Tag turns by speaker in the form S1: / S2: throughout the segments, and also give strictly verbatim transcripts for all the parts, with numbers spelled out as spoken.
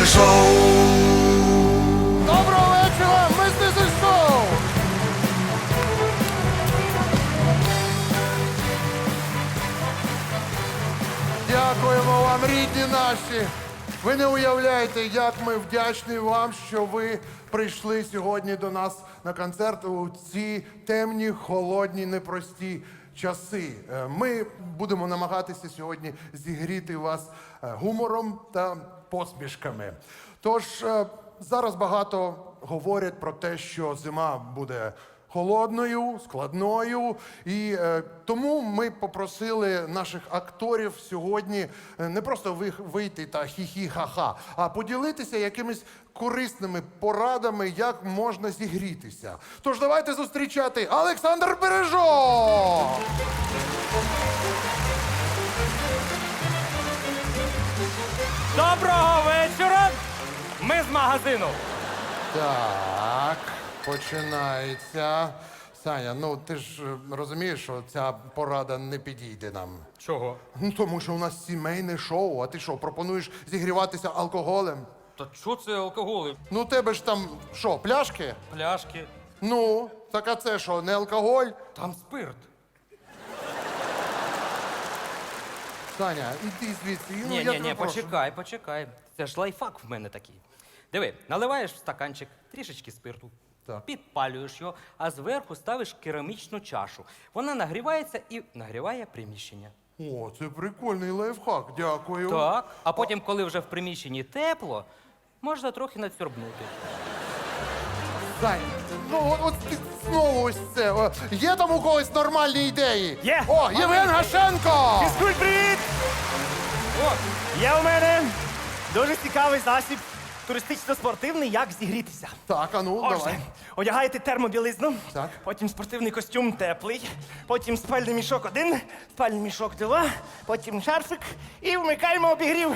S1: Шоу!
S2: Доброго вечора, мистерський шоу! Дякуємо вам, рідні наші! Ви не уявляєте, як ми вдячні вам, що ви прийшли сьогодні до нас на концерт у ці темні, холодні, непрості часи. Е, Ми будемо намагатися сьогодні зігріти вас е, гумором та посмішками. Тож е, зараз багато говорять про те, що зима буде холодною, складною. І е, тому ми попросили наших акторів сьогодні е, не просто ви- вийти та хі-хі-ха-ха, а поділитися якимись корисними порадами, як можна зігрітися. Тож давайте зустрічати Олександр Бережок!
S3: Доброго вечора! Ми з магазину.
S2: Так, починається. Саня, ну ти ж е, розумієш, що ця порада не підійде нам.
S3: Чого?
S2: Ну, тому що у нас сімейне шоу, а ти що, пропонуєш зігріватися алкоголем?
S3: Та що це алкоголь?
S2: Ну, у тебе ж там що, пляшки?
S3: Пляшки.
S2: Ну, так а це що, не алкоголь?
S3: Там спирт.
S2: Саня, іди звідси. Ну,
S3: Ні,
S2: я
S3: ні,
S2: тебе
S3: ні,
S2: прошу.
S3: почекай, почекай. Це ж лайфхак в мене такий. Диви, наливаєш в стаканчик трішечки спирту,
S2: Так.
S3: підпалюєш його, а зверху ставиш керамічну чашу. Вона нагрівається і нагріває приміщення.
S2: О, це прикольний лайфхак, дякую.
S3: Так. А потім, коли вже в приміщенні тепло, можна трохи надсьорбнути.
S2: Сань, ну от, от ти знову ось це. О, є там у когось нормальні ідеї?
S4: Є.
S2: О, Євген Гашенко!
S4: Фізкульт, привіт!
S3: О,
S4: Є у мене дуже цікавий засіб туристично-спортивний, як зігрітися.
S2: Так, а ну,
S4: Отже,
S2: давай.
S4: одягаєте термобілизну,
S2: Так.
S4: потім спортивний костюм теплий, потім спальний мішок один, спальний мішок два, потім шарфик і вмикаємо обігрів.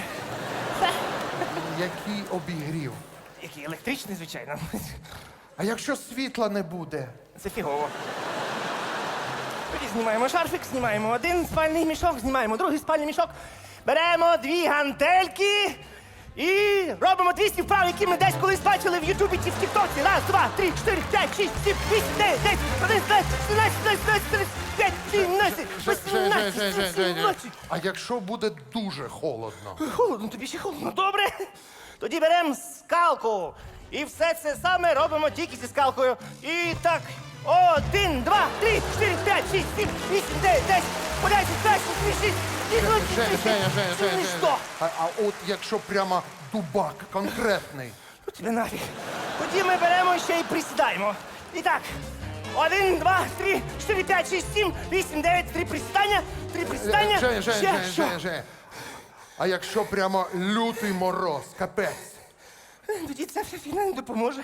S2: Який обігрів.
S4: Який електричний, звичайно.
S2: А якщо світла не буде?
S4: Це фігово. Тоді знімаємо шарфик, знімаємо один спальний мішок, знімаємо другий спальний мішок, беремо дві гантельки і робимо двісті вправ, які ми десь колись бачили в Ютубі чи в Тіктоці. Раз, два, три, чотири, п'ять, шість, сім, вісім, дев'ять, десять, одинадцять, дванадцять, тринадцять, чотирнадцять, п'ять, сімнадцять,
S2: Жень, Жень, Жень, Жень, Жень, Жень.
S4: вісімнадцять.
S2: А якщо буде дуже холодно?
S4: Холодно, тобі ще холодно. Добре. Тоді беремо скалку. І все це саме робимо тільки зі скалкою. І так. Один, два, три, чотири, п'ять, шість, сім, вісім, дев'ять, десять, одинадцять, дванадцять, шість,
S2: Женя, Женя, Женя, Женя,
S4: Ну
S2: Женя.
S4: і що?
S2: А, а от якщо прямо дубак конкретний?
S4: Ну тебе нафіг. Тоді ми беремо ще й присідаємо. І так. Один, два, три, чотири, п'ять, шість, сім, вісім, дев'ять, три присідання, три присідання.
S2: Женя, Женя,
S4: ще
S2: Женя,
S4: що?
S2: Женя, Женя. А якщо прямо лютий мороз, капець?
S4: Тоді ця вся фігня не допоможе.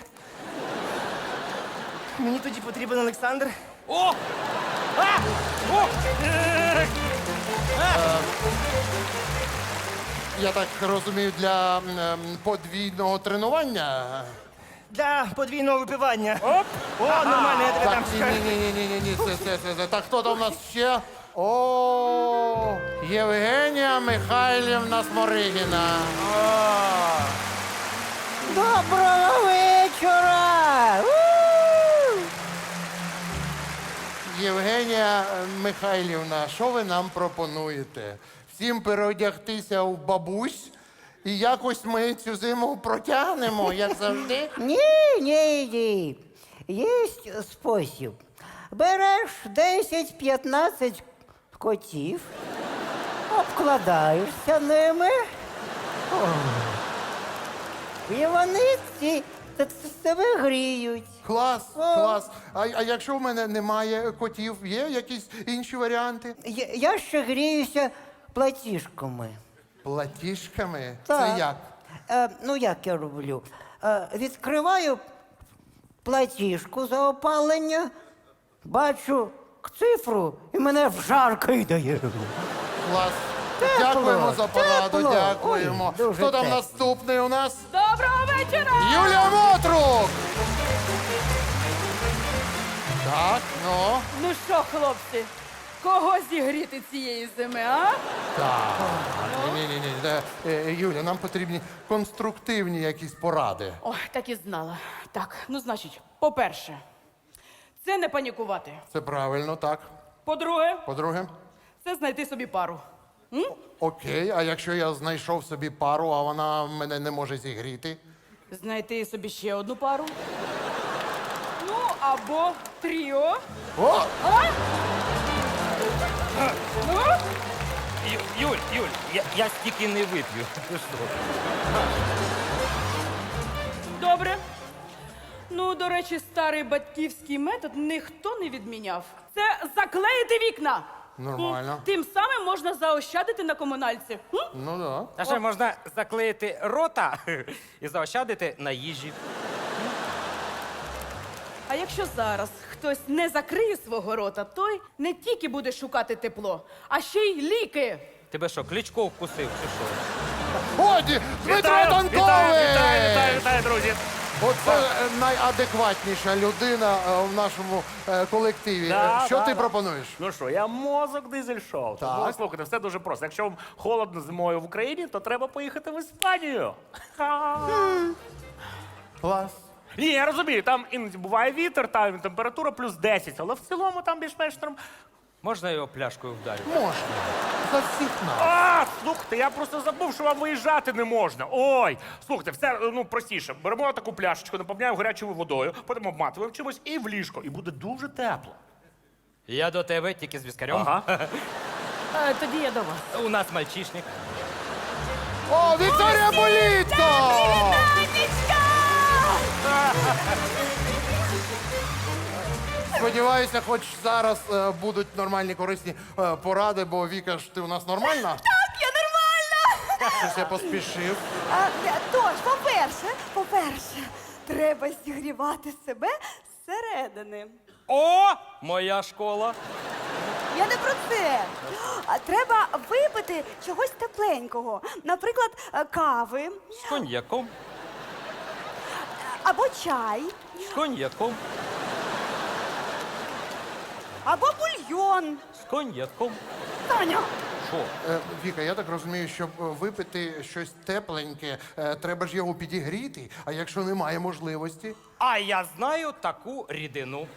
S4: Мені тоді потрібен Олександр.
S3: О!
S4: А!
S3: О!
S2: Я так розумію, для м, ем, подвійного тренування?
S4: Для подвійного випивання. Оп! О, нормально, я тебе
S2: Так,
S4: там
S2: ні,
S4: скажу.
S2: ні, ні, ні, ні, ні, це, це, це, це. Так, хто там у нас ще? О, Євгенія Михайлівна Сморигіна.
S5: Доброго вечора! У!
S2: Євгенія Михайлівна, що ви нам пропонуєте? Всім переодягтися в бабусь і якось ми цю зиму протягнемо, як завжди?
S5: Ні, ні, ні. Є спосіб. Береш десять-п'ятнадцять котів, обкладаєшся ними. О. І вони ці т- т- тебе гріють.
S2: Клас, клас. А, а якщо в мене немає котів, є якісь інші варіанти?
S5: Я, я ще гріюся платіжками.
S2: Платіжками?
S5: Так.
S2: Це як?
S5: Е, ну, як я роблю? Е, відкриваю платіжку за опалення, бачу цифру і мене в жар кидає.
S2: Клас.
S5: Тепло,
S2: Дякуємо за пораду,
S5: тепло.
S2: дякуємо.
S5: Ой, дуже
S2: Хто там
S5: тепло.
S2: наступний у нас?
S6: Доброго вечора!
S2: Юлія Мотрук! Так, ну.
S6: Ну що, хлопці,
S1: Кого зігріти цієї зими, а?
S2: Так. Ні, ні, ні. Е, Юля, нам потрібні конструктивні якісь поради.
S1: Ой, так і знала. Так, ну значить, по-перше, це не панікувати.
S2: Це правильно, так.
S1: По-друге,
S2: По-друге,
S1: це знайти собі пару.
S2: окей, а якщо я знайшов собі пару, а вона мене не може зігріти?
S1: Знайти собі ще одну пару. Ну, або тріо.
S2: О!
S1: Ну,
S3: Ю- Юль, Юль, я, я стільки не вип'ю. Ти що?
S1: добре. Ну, до речі, старий батьківський метод ніхто не відміняв. Це заклеїти вікна.
S2: Нормально.
S1: М, Тим самим можна заощадити на комунальці. М?
S2: Ну да.
S3: А ще можна заклеїти рота і заощадити на їжі.
S1: А якщо зараз хтось не закриє свого рота, той не тільки буде шукати тепло, а ще й ліки.
S3: Тебе що, Кличко вкусив чи що?
S2: Годі! Дмитро
S6: Вітаю,
S2: Танкович!
S6: вітаю, вітаю, вітаю, вітаю, друзі.
S2: Оце е, найадекватніша людина е, в нашому е, колективі.
S6: Да,
S2: Е, Що
S6: да,
S2: ти
S6: да.
S2: пропонуєш?
S6: Ну що, я мозок дизель-шоу. Тому,
S2: Так.
S6: слухайте, все дуже просто. Якщо вам холодно зимою в Україні, то треба поїхати в Іспанію. Ха.
S2: Клас.
S6: Ні, я розумію, там іноді буває вітер, там температура плюс десять, але в цілому там більш-менш норм.
S3: Можна його пляшкою вдарити?
S2: Можна. За всіх нас.
S6: А, слухайте, я просто забув, що вам виїжджати не можна. Ой, слухайте, все ну простіше. Беремо таку пляшечку, наповняємо гарячою водою, потім обматуємо чимось і в ліжко. І буде дуже тепло.
S3: Я до тебе тільки з віскарем.
S6: Ага.
S1: Е, тоді я до вас.
S3: У нас мальчишник.
S2: О, Вікторія Болітко! Сподіваюся, хоч зараз е, будуть нормальні корисні е, поради, бо Віка ж ти у нас нормальна?
S7: Так, я нормально.
S2: Щось я поспішив.
S7: А, е, тож, по-перше, по-перше, треба зігрівати себе зсередини.
S3: О, моя школа.
S7: Я не про це. А треба випити чогось тепленького. Наприклад, е, кави
S3: З коньяком,
S7: або чай,
S3: з коньяком,
S7: або бульйон.
S3: з коньяком.
S7: Таня,
S3: Що?
S2: Е, Віка, я так розумію, щоб е, випити щось тепленьке, е, треба ж його підігріти, а якщо немає можливості.
S3: А я знаю таку рідину,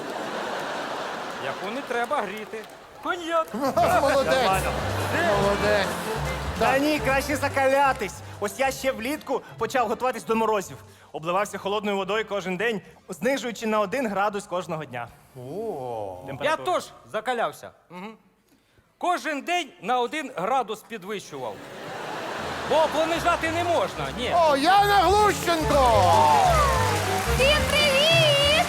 S3: яку не треба гріти. Коньяк.
S2: Молодець! Молодець!
S4: Та ні, краще закалятись. Ось я ще влітку почав готуватись до морозів. Обливався холодною водою кожен день, знижуючи на один градус кожного дня.
S2: О,
S3: Я теж закалявся. Угу. Кожен день на один градус підвищував. Бо понижати не можна, ні.
S2: О, Яна Глущенко!
S7: всім привіт!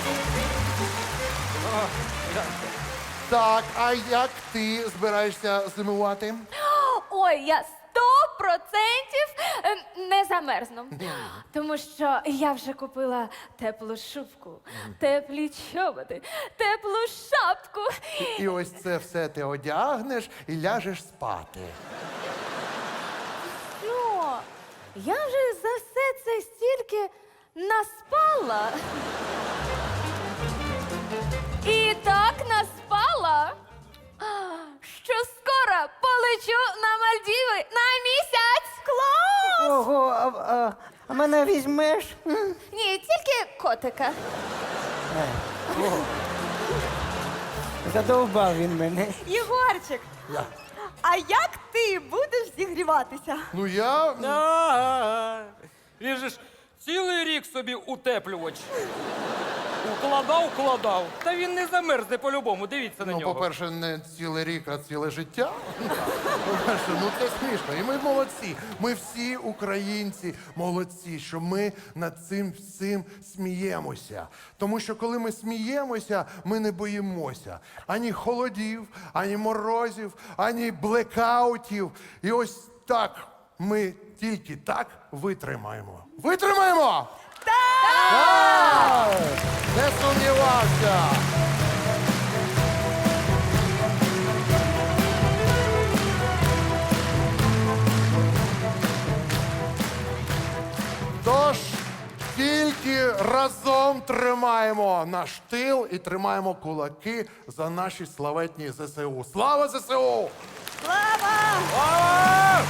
S2: Так, а як ти збираєшся зимувати?
S8: Ой, я сто процентів е, не замерзну. Тому що я вже купила теплу шубку, теплі чоботи, теплу шапку.
S2: І ось це все ти одягнеш і ляжеш спати.
S8: Ну, я вже за все це стільки наспала. І так наспала, що скоро полечу на Мальдіви на місяць. Клас!
S5: Ого, а, а, а мене візьмеш? М?
S8: Ні, тільки котика.
S5: Задовбав він мене.
S7: Єгорчик,
S2: Я.
S7: а як ти будеш зігріватися?
S2: Ну я.
S3: А-а-а. Він же ж цілий рік собі утеплювач. Укладав, укладав. Та він не замерзне по-любому. Дивіться на
S2: Ну,
S3: нього.
S2: по-перше, не цілий рік, а ціле життя. По-перше, ну це смішно. І ми молодці. Ми всі українці молодці, що ми над цим всім сміємося. Тому що коли ми сміємося, ми не боїмося ані холодів, ані морозів, ані блекаутів. І ось так ми тільки так витримаємо. Витримаємо! Так! Не сумнівався! Тож, тільки Тільки разом тримаємо наш тил і тримаємо кулаки за наші славетні ЗСУ. Слава ЗСУ!
S7: Слава!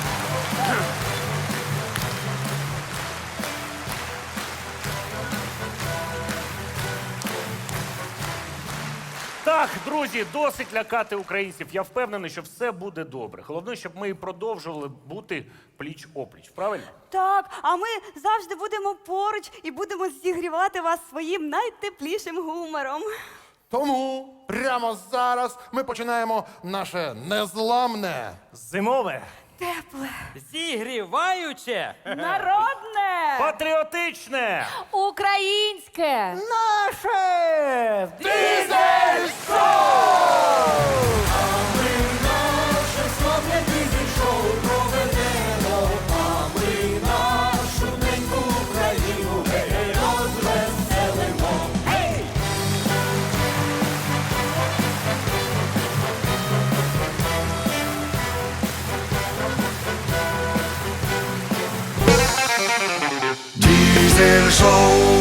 S6: Так, друзі, досить лякати українців. Я впевнений, що все буде добре. Головне, щоб ми і продовжували бути пліч-опліч. Правильно?
S7: Так, а ми завжди будемо поруч і будемо зігрівати вас своїм найтеплішим гумором.
S2: Тому прямо зараз ми починаємо наше незламне.
S4: Зимове.
S7: Тепле.
S3: Зігріваюче.
S1: Народне!
S6: Патріотичне!
S8: Українське!
S5: Наше!
S2: Дизель
S9: Diesel Show.